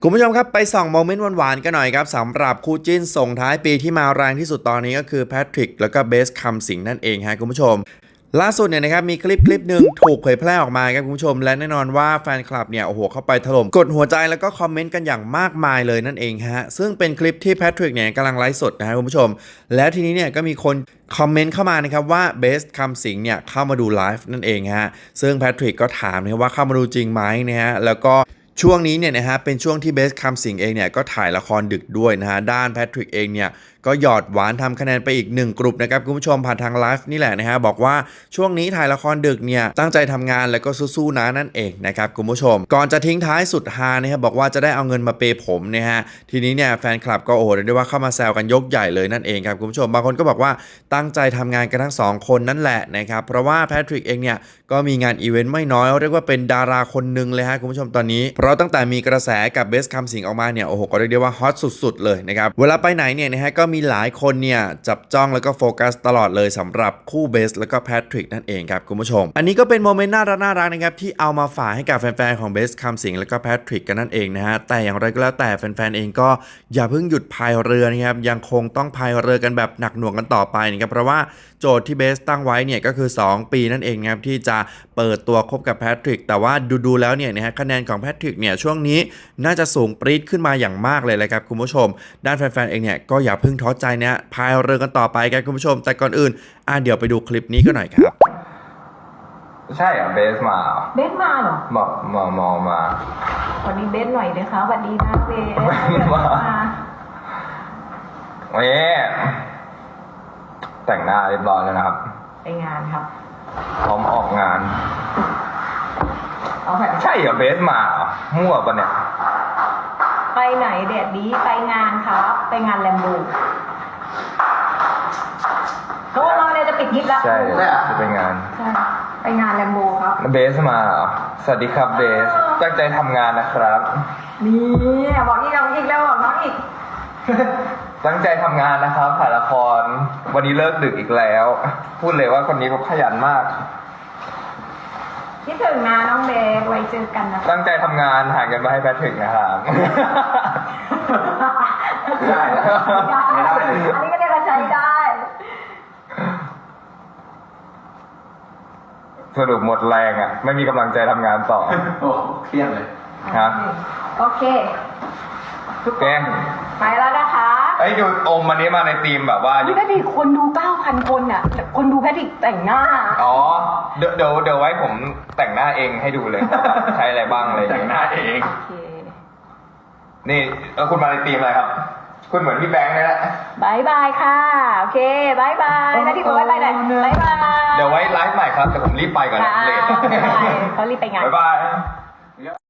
คุณผู้ชมครับไปส่องโมเมนต์หวานๆกันหน่อยครับสำหรับคู่จิ้นส่งท้ายปีที่มาแรงที่สุดตอนนี้ก็คือแพทริกแล้วก็เบสคำสิงนั่นเองฮะคุณผู้ชมล่าสุดเนี่ยนะครับมีคลิปหนึ่งถูกเผยแพร่ออกมาครับคุณผู้ชมและแน่นอนว่าแฟนคลับเนี่ยโอ้โหเข้าไปถล่มกดหัวใจแล้วก็คอมเมนต์กันอย่างมากมายเลยนั่นเองฮะซึ่งเป็นคลิปที่แพทริกเนี่ยกำลังไลฟ์สดนะฮะคุณผู้ชมแล้วทีนี้เนี่ยก็มีคนคอมเมนต์เข้ามานะครับว่าเบสคำสิงเนี่ยเข้ามาดูไลฟ์นั่นเองฮะซึ่งแพทริกก็ถามนะว่าเข้ามาดูจริงไหมนะฮะแล้วก็ช่วงนี้เนี่ยนะฮะเป็นช่วงที่เบสคำสิงเองเนี่ยก็ถ่ายละครดึกด้วยนะฮะด้านแพทริกเองเนี่ยก็หยอดหวานทำคะแนนไปอีก1กลุ่มนะครับคุณผู้ชมผ่านทางไลฟ์นี่แหละนะฮะบอกว่าช่วงนี้ถ่ายละครดึกเนี่ยตั้งใจทำงานแล้วก็สู้ๆนะนั่นเองนะครับคุณผู้ชมก่อนจะทิ้งท้ายสุดฮานะครับบอกว่าจะได้เอาเงินมาเปย์ผมนะฮะทีนี้เนี่ยแฟนคลับก็โอ้โหเรียกได้ว่าเข้ามาแซวกันยกใหญ่เลยนั่นเองครับคุณผู้ชมบางคนก็บอกว่าตั้งใจทำงานกันทั้ง2คนนั่นแหละนะครับเพราะว่าแพทริกเองเนี่ยก็มีงานอีเวนต์ไม่น้อยเรียกว่าเป็นดาราคนหนึ่งเลยฮะคุณผู้ชมตอนนี้เพราะตั้งแต่มีกระแสกับเบสคำสิงออกมาเนี่ยโอ้โหก็เรียกได้ว่าฮอตสุดๆเลยนะครับเวลาไปไหนเนี่ยนะฮะก็มีหลายคนเนี่ยจับจ้องแล้วก็โฟกัสตลอดเลยสำหรับคู่เบสแล้วก็แพทริกนั่นเองครับคุณผู้ชมอันนี้ก็เป็นโมเมนต์น่ารักนะครับที่เอามาฝากให้กับแฟนๆของเบสคำสิงแล้วก็แพทริกกันนั่นเองนะฮะแต่อย่างไรก็แล้วแต่แฟนๆเองก็อย่าเพิ่งหยุดพายเรือนะครับยังคงต้องพายเรือกันแบบหนักหน่วงกันต่อไปนะครับเพราะว่าโจทย์ที่เบสตั้งไว้เนี่ยก็คือ2ปีนั่นเองครับที่จะเปิดตัวคบกับแพทริกแต่ว่าดูแล้วเนี่ยนะฮะคะแนนของแพทริกเนี่ยช่วงนี้น่าจะสูงปรี๊ดขึ้นมาอย่างมากเลยครับคุณผู้ชมด้านแฟนๆเองเนี่ยก็อย่าเพิ่งท้อใจนะพายเรือกันต่อไปครับคุณผู้ชมแต่ก่อนอื่นเดี๋ยวไปดูคลิปนี้กันหน่อยครับใช่เหรอเบสมาเหรอเบสมาเหรอบอกมาสวัสดีเบสหน่อยนะคะสวัสดีนะเบสมาเว้ยแต่งหน้าเรียบร้อยแล้วนะครับไปงานครับพร้อมออกงานเอาแบบใช่เหรอเบสมาเหรอมั่วปะเนี่ยไปไหนแดดดีไปงานครับไปงานแลมโบเพราะว่าเราเนี่ยจะปิดยิปแล้วใช่จะไปงานใช่ไปงานแลมโบครับเบสมาเหรอสวัสดีครับเบสตั้งใจทำงานนะครับนี่บอกอีกน้องอีกแล้วบอกน้องอีกตั้งใจทำงานนะครับถ่ายละครวันนี้เลิกดึกอีกแล้วพูดเลยว่าคนนี้เขาขยันมากคิดถึงนะน้องเบสไว้เจอกันนะตั้งใจทำงานหาเงินมาให้แพทริกนะครับได้ไม่ได้อันนี้ก็เรียกว่าใช้ได้สรุปหมดแรงอ่ะไม่มีกำลังใจทำงานต่อโอ้เครียดเลยครับโอเคทุกคนไปแล้วนะคะไอ้ดูอมวันนี้มาในทีมแบบว่าไม่ได้ดิคนดู 9,000 คนอ่ะคนดูแพทริกแต่งหน้าอ๋อเดี๋ยวไว้ผมแต่งหน้าเองให้ดูเลยใช้อะไรบ้างอะไรแต่งหน้าเองโอเคนี่คุณมาในทีมอะไรครับคุณเหมือนพี่แบงค์นี่แหละบายบายค่ะโอเคบายบายแพทริกบอกบายบายหน่อยบายบายเดี๋ยวไว้ไลฟ์ใหม่ครับแต่ผมรีบไปก่อนนะเลทเขารีบไปงานบายบาย